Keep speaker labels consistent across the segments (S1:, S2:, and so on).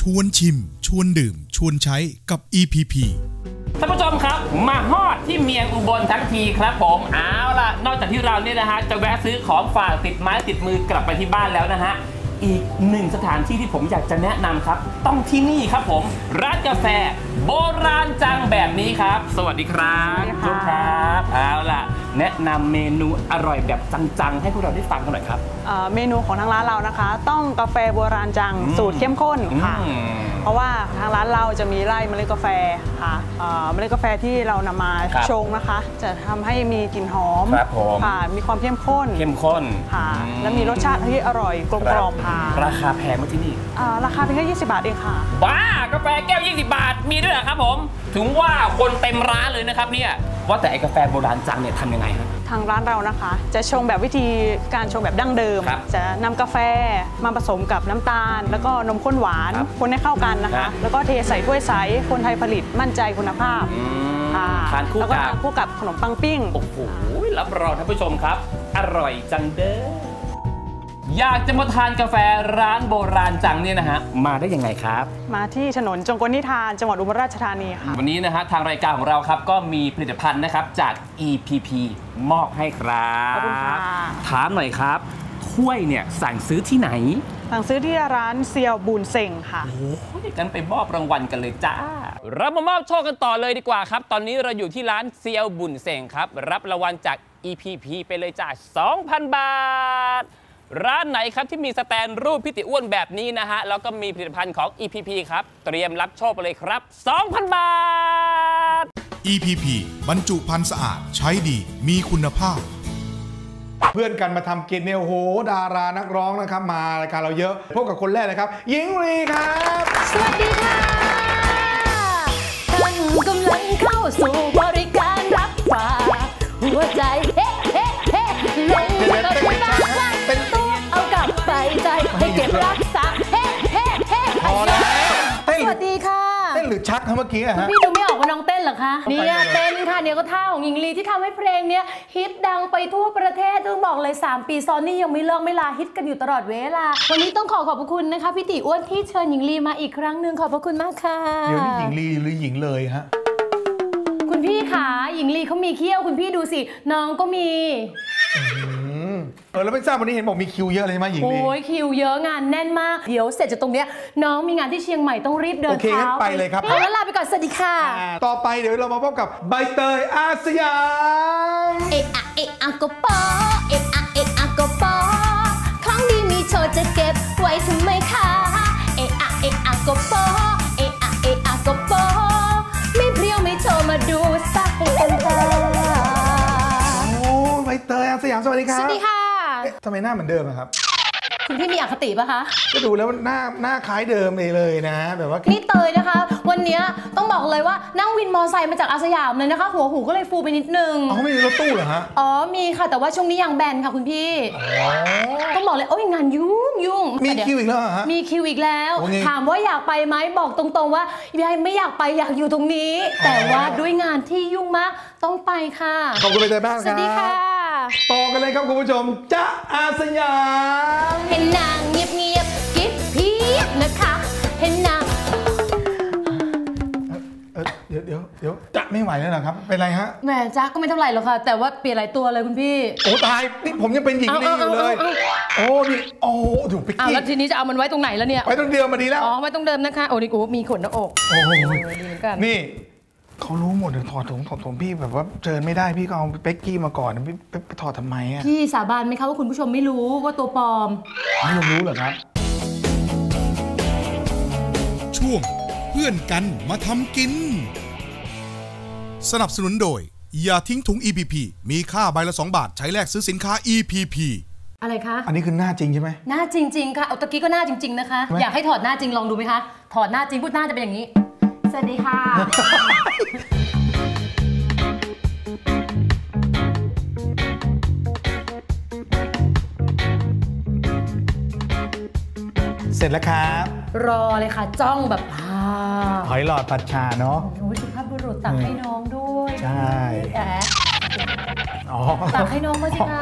S1: วนชิมชวนดื่มชวนใช้กับ EPP
S2: ท่านผู้ชมครับมาฮอดที่เมียงอุบลทั้งทีครับผมเอาล่ะนอกจากที่เราเนี่ยนะฮะจะแวะซื้อของฝากติดไม้ติดมือกลับไปที่บ้านแล้วนะฮะอีกหนึ่งสถานที่ที่ผมอยากจะแนะนำครับต้องที่นี่ครับผมร้านกาแฟโบราณจังแบบนี้ครับสวัสดีครับทุกครับเอาล่ะแนะนำเมนูอร่อยแบบจังๆให้พวกเราได้ฟังกันหน่อยครับ
S3: เมนูของทางร้านเรานะคะต้องกาแฟโบราณจังสูตรเข้มข้นค่ะเพราะว่าทางร้านเราจะมีไร่เมล็ดกาแฟค่ะเมล็ดกาแฟที่เรานำมาชงนะคะจะทำให้มีกลิ่นหอมค่ะมีความเข้มข้นค่ะและมีรสชาติที่อร่อยกลมกล่อมค่ะ
S2: ราคาแพงไหมที่นี่
S3: ราคาเพียงแค่20 บาทเองค่ะ
S2: บ้ากาแฟแก้ว20 บาทมีด้วยเหรอครับผมถึงว่าคนเต็มร้านเลยนะครับเนี่ยว่าแต่ไอ้กาแฟโบราณจังเนี่ยทำยังไงครับ
S3: ทางร้านเรานะคะจะชงแบบวิธีการชงแบบดั้งเดิมจะนำกาแฟมาผสมกับน้ำตาลแล้วก็นมข้นหวานคนให้เข้ากันนะคะแล้วก็เทใส่ถ้วยใสคนไทยผลิตมั่นใจคุณภาพ
S2: ทาน
S3: คู่กับขนมปังปิ้ง
S2: โอ้โหรับรองท่านผู้ชมครับอร่อยจังเด้ออยากจะมาทานกาแฟร้านโบราณจังเนี่ยนะฮะมาได้ยังไงครับ
S3: มาที่ถนนจงกลนิทานจังหวัดอุบลราชธานีค่ะ
S2: วันนี้นะฮะทางรายการของเราครับก็มีผลิตภัณฑ์นะครับจาก EPP มอบให้ครับ
S3: ขอบคุณค่ะ
S2: ถามหน่อยครับถ้วยเนี่ยสั่งซื้อที่ไหน
S3: สั่งซื้อที่ร้านเซียวบูนเซ็งค่ะ
S2: โอ้ยกันไปมอบรางวัลกันเลยจ้าเรามามอบโชคกันต่อเลยดีกว่าครับตอนนี้เราอยู่ที่ร้านเซียวบุนเซ็งครับรับรางวัลจาก EPP ไปเลยจ้า 2,000 บาทร้านไหนครับที่มีสแตนรูปพี่ติอ้วนแบบนี้นะฮะแล้วก็มีผลิตภัณฑ์ของ EPP ครับเตรียมรับโชคไปเลยครับ 2,000 บาท
S1: EPP บรรจุภัณฑ์สะอาดใช้ดีมีคุณภาพ
S4: เพื่อนกันมาทำกินเนี่ยโอ้โหดารานักร้องนะครับมารายการเราเยอะพบกับคนแรกเลยครับหญิงลีครับ
S5: สวัสดีค่ะท่านกำลังเข้าสู่บริการรับฝากหัวใจเฮ้เฮ้เฮ้ลงกับคุณบ้างเป็นตัวเอากลับไปใจให้เก็บรักษาเฮ้เฮ้เฮ้
S4: พอแล้ว
S5: สวัสดีค่ะ
S4: เต้นหรือชักเมื่อกี้อะฮะ
S5: พี่ดูไม่ออกว่าน้องเต้นเหรอคะเนี่ยเต้นค่ะเนี่ยก็ท่าของหญิงลีที่ทำให้เพลงเนี้ยฮิตดังไปทั่วประเทศต้องบอกเลย3 ปีซ้อนนี่ยังไม่เลิกไม่ลาฮิตกันอยู่ตลอดเวลาวันนี้ต้องขอบพระคุณนะคะพี่ติอ้วนที่เชิญหญิงลีมาอีกครั้งหนึ่งขอบพระคุณมากค่ะ
S4: เดี๋ยวนี้หญิงลีหรือหญิงเลยฮะ
S5: คุณพี่ขาหญิงลีเขามีเขี้ยวคุณพี่ดูสิน้องก็มี
S4: แล้วไม่ทราบวันนี้เห็นบอกมีคิวเยอะเลยไหมหญิงลี
S5: โอ้ยคิวเยอะงานแน่นมากเดี๋ยวเสร็จจากตรงเนี้ยน้องมีงานที่เชียงใหม่ต้องรีบเดิน
S4: เท้าไปเลยครับ
S5: แล้วลาไปก่อนสวัสดีค่ะ
S4: ต่อไปเดี๋ยวเรามาพบกับใบเตยอาสยาม
S5: เอะอะเอะอะก็ปอเอะอะเอะอะก็ปอของดีมีโชว์จะเก็บไว้ทำไมคะเอะอะเอะอะก็ปอเอะอะเอะอะก็ปอไม่เพรียวไม่โชว์มาดูสักให้เต็มตา
S4: โอ้ใบเตยอาสยามสวัสดีครับ
S5: สวัสดีค่ะ
S4: ทำไมหน้าเหมือนเดิมครับ
S5: คุณพี่มีอคติปะคะ
S4: ก็ดูแล้วหน้าคล้ายเดิมเลยนะแบบว่า
S5: นี่เตยนะคะวันนี้ต้องบอกเลยว่านั่งวินมอไซค์มาจากอาสยามเลยนะคะหัวหูก็เลยฟูไปนิดนึง
S4: เขาไม่มีรถตู้เหรอฮะ
S5: อ๋อมีค่ะแต่ว่าช่วงนี้ยังแบนค่ะคุณพี่ต้องบอกเลยโอ้ยงานยุ่ง
S4: มีคิวอีกแล้วฮะ
S5: มีคิวอีกแล้วถามว่าอยากไปไหมบอกตรงๆว่าไม่อยากไปอยากอยู่ตรงนี้แต่ว่าด้วยงานที่ยุ่งมากต้องไปค่ะ
S4: ขอบคุณไปใจบ้างครับ
S5: สวัสดีค่ะ
S4: ต่อกันเลยครับคุณผู้ชมจ๊ะอาสยาม
S5: เห็นนางเงียบกิ๊บพีบนะคะเห็นนาง
S4: เดี๋ยวจ๊ะไม่ไหวแล้วเหรอครับเป็นไรฮะ
S5: แหมจ๊ะก็ไม่เท่าไหร่หรอกค่ะแต่ว่าเปลี่ยนหลายตัวเลยคุณพี่
S4: โอ้ตายนี่ผมยังเป็นหญิงลีอยู่เลยโอ้นี่โอ้ดูไปกี้
S5: แล้วทีนี้จะเอามันไว้ตรงไหนแล้วเนี่ย
S4: ไว้ตรงเดิมมาดีแล้ว
S5: อ๋อไว้ตรงเดิมนะคะโอ้นี่กูมีขนหน้าอก
S4: โอ้ดีเหมือนกันนี่เขารู้หมดเลยถอดถุงพี่แบบว่าเชิญไม่ได้พี่ก็เอาเป๊กกี้มาก่อนพี่ไปถอดทำไมอ่ะ
S5: พี่สาบานไหมคะว่าคุณผู้ชมไม่รู้ว่าตัวปลอม
S4: ไม่รู้เหรอครับ
S1: ช่วงเพื่อนกันมาทำกินสนับสนุนโดยอย่าทิ้งถุง EPP มีค่าใบละ2 บาทใช้แลกซื้อสินค้า EPP
S5: อะไรคะ
S4: อันนี้คือหน้าจริงใช่ไหม
S5: หน้าจริงๆค่ะเอาตะกี้ก็หน้าจริงๆนะคะอยากให้ถอดหน้าจริงลองดูไหมคะถอดหน้าจริงพูดหน้าจะเป็นอย่างนี้สวัสดีค่ะ
S4: เสร็จแล้วครับ
S5: รอเลยค่ะจ้องแบบ
S4: หอยหลอดผัดชาเนาะ
S5: โอ้ยสุภาพบุรุษตักให้น้องด้วย
S4: ใช่
S5: ตักให้น้องมาสิคะ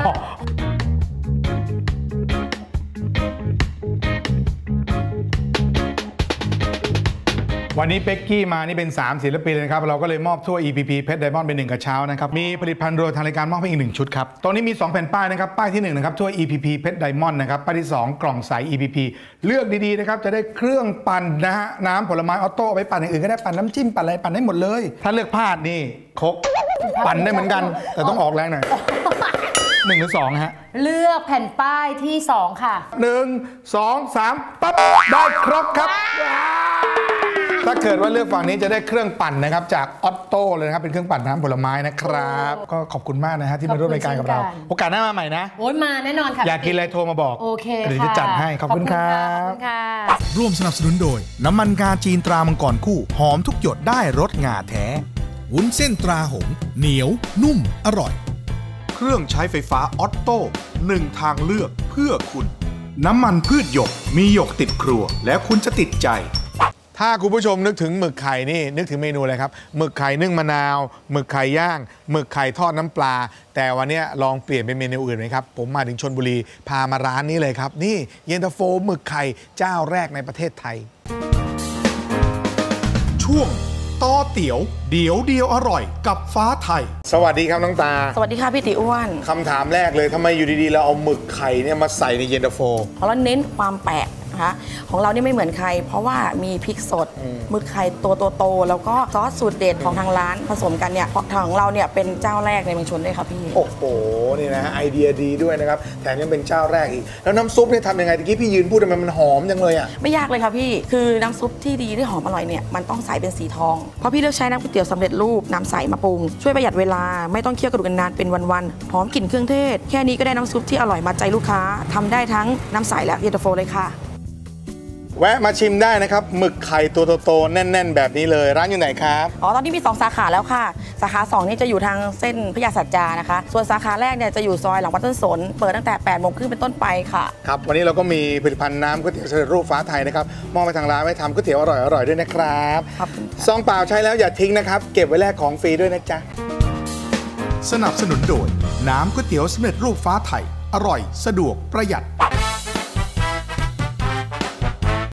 S4: วันนี้เป็กกี้มานี่เป็น3ศิลปินเลยครับเราก็เลยมอบถ้วย EPP เพชรไดมอนด์เป็น1กระเช้านะครับมีผลิตภัณฑ์โดยทางรายการมอบให้อีก1ชุดครับตอนนี้มี2แผ่นป้ายนะครับป้ายที่1นะครับถ้วย EPP เพชรไดมอนด์นะครับป้ายที่2กล่องใส EPP เลือกดีๆนะครับจะได้เครื่องปั่นนะฮะน้ำผลไม้ออโต้เอาไปปั่นอย่างอื่นก็ได้ปั่นน้ำจิ้มปั่นอะไรปั่นได้หมดเลยถ้าเลือกพลาดนี่ครกปั่นได้เหมือนกันแต่ต้องออกแรงหน่อย1 หรือ 2ฮะ
S5: เลือกแผ่นป้ายที่2ค่ะ
S4: 1 2 3ปั๊บได้ครบครับถ้าเกิดว่าเลือกฝั่งนี้จะได้เครื่องปั่นนะครับจากออโต้เลยนะครับเป็นเครื่องปั่นน้ำผลไม้นะครับก็ขอบคุณมากนะฮะที่มาร่วมรายการกับเราโอกาสหน้ามาใหม่นะ
S5: โอ้ยมาแน่นอนค่ะ
S4: อยากกินอะไรโทรมาบอก
S5: โอเค
S4: เดี๋ยวจะจัดให้ขอบคุณครับ
S1: ร่วมสนับสนุนโดยน้ำมันงาจีนตรามังกรคู่หอมทุกหยดได้รสงาแท้วุ้นเส้นตราหงเหนียวนุ่มอร่อยเครื่องใช้ไฟฟ้าออตโต้1ทางเลือกเพื่อคุณน้ำมันพืชหยกมีหยกติดครัวแล้วคุณจะติดใจ
S4: ถ้าคุณผู้ชมนึกถึงหมึกไข่นี่นึกถึงเมนูอะไรครับหมึกไข่นึ่งมะนาวหมึกไข่ย่างหมึกไข่ทอดน้ำปลาแต่วันนี้ลองเปลี่ยนเป็นเมนูอื่นไหมครับผมมาถึงชลบุรีพามาร้านนี้เลยครับนี่เย็นตาโฟหมึกไข่เจ้าแรกในประเทศไทย
S1: ช่วงต่อเตี๋ยวเดี๋ยวเดียวอร่อยกับฟ้าไทย
S4: สวัสดีครับน้องตา
S6: สวัสดีค่ะพี่ติอ้วน
S4: คำถามแรกเลยทำไมอยู่ดีๆเราเอาหมึกไข่เนี่ยมาใส่ในเย็นตาโฟ
S6: เพราะเราเน้นความแปลกนะคะของเรานี่ไม่เหมือนใครเพราะว่ามีพริกสดหมึกไข่ตัวโตๆแล้วก็ซอสสูตรเด็ดของทางร้านผสมกันเนี่ยของเราเนี่ยเป็นเจ้าแรกในเมืองชนด้วยครับพี่
S4: โอ้โหนี่นะไอเดียดีด้วยนะครับแถมยังเป็นเจ้าแรกอีกแล้วน้ำซุปเนี่ยทำยังไงตะกี้พี่ยืนพูดทำไมมันหอมจังเลยอ่ะ
S6: ไม่ยากเลยค่ะพี่คือน้ำซุปที่ดีที่หอมอร่อยเนี่ยมันต้องใสเป็นสีทองเพราะพี่เลือกใช้น้ำก๋วยเตี๋ยวสำเร็จรูปน้ำใสมาปรุงช่วยประหยัดเวลาไม่ต้องเคี่ยวกระดูกนานเป็นวันๆหอมกลิ่นเครื่องเทศแค่นี้ก็ได้น้ำซุปที่อร่อยมาใจลูกค้าทำได้ทั้งน้ำใสและเย็นตาโฟเลยค่ะ
S4: แวะมาชิมได้นะครับหมึกไข่ตัวโตๆแน่นๆแบบนี้เลยร้านอยู่ไหนครับ
S6: ตอนนี้มี2สาขาแล้วค่ะสาขา2นี่จะอยู่ทางเส้นพญาสัจจานะคะส่วนสาขาแรกเนี่ยจะอยู่ซอยหลังวัดต้นสนเปิดตั้งแต่ 8:30 นเป็นต้นไปค่ะ
S4: ครับวันนี้เราก็มีผลิตภัณฑ์น้ำก๋วยเตี๋ยวสำเร็จรูปฟ้าไทยนะครับมอบไปทางร้านไว้ทำก๋วยเตี๋ยวอร่อยๆด้วยนะครับซองเปล่าใช้แล้วอย่าทิ้งนะครับเก็บไว้แลกของฟรีด้วยนะจ๊ะ
S1: สนับสนุนโดยน้ำก๋วยเตี๋ยวสำเร็จรูปฟ้าไทยอร่อยสะดวกประหยัด